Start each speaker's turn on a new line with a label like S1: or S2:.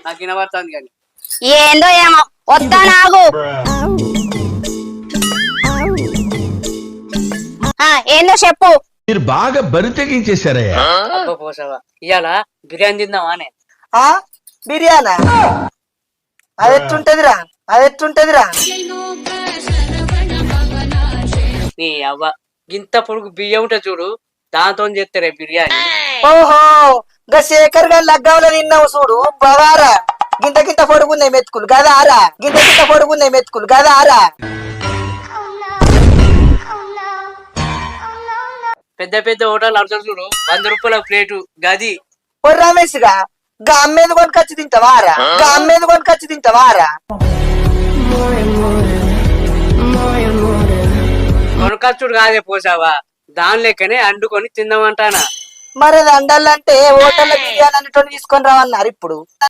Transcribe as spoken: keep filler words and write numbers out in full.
S1: నాకు వినబడుతుంది కానీ
S2: ఏందో ఏమో వస్తా నాగు ఏందో చెప్పు.
S3: మీరు బాగా బరి తెగించేశారయ్యా.
S1: అబ్బా పోసావా ఇవాళ బిర్యానీ తిందామా అని.
S4: ఆ బిర్యానా అది ఎట్టుంటదిరా అది ఎట్టుంటదిరా
S1: నీ అవ్వ గింత పొడుగు బియ్యం ఉంటే చూడు దాంతో చేస్తారే బిర్యానీ.
S4: ఓహో గా శేఖర్ గారి లగ్గంలో తిన్నావు చూడు బవారా గింత గింత పొడుగున్నాయి మెతుకులు గదారా గింత గింత పొడుగున్నాయి మెతుకులు గదారా
S1: పెద్ద పెద్ద హోటల్ అడుగుతారు చూడు వంద రూపాయల ప్లేటు గది.
S4: ఓ రమేష్ గా గా అమ్మేది కొనుకొచ్చి తింటావారా గా అమ్మేది కొనుకొచ్చి తింటావారా
S1: కొనకచ్చుడు కాదే పోసావా దాని లెక్కనే అండుకొని తిందామంటానా.
S4: మరి అది అండాలంటే హోటల్ బిర్యానీ అనేటువంటి తీసుకొని రావన్నారు ఇప్పుడు.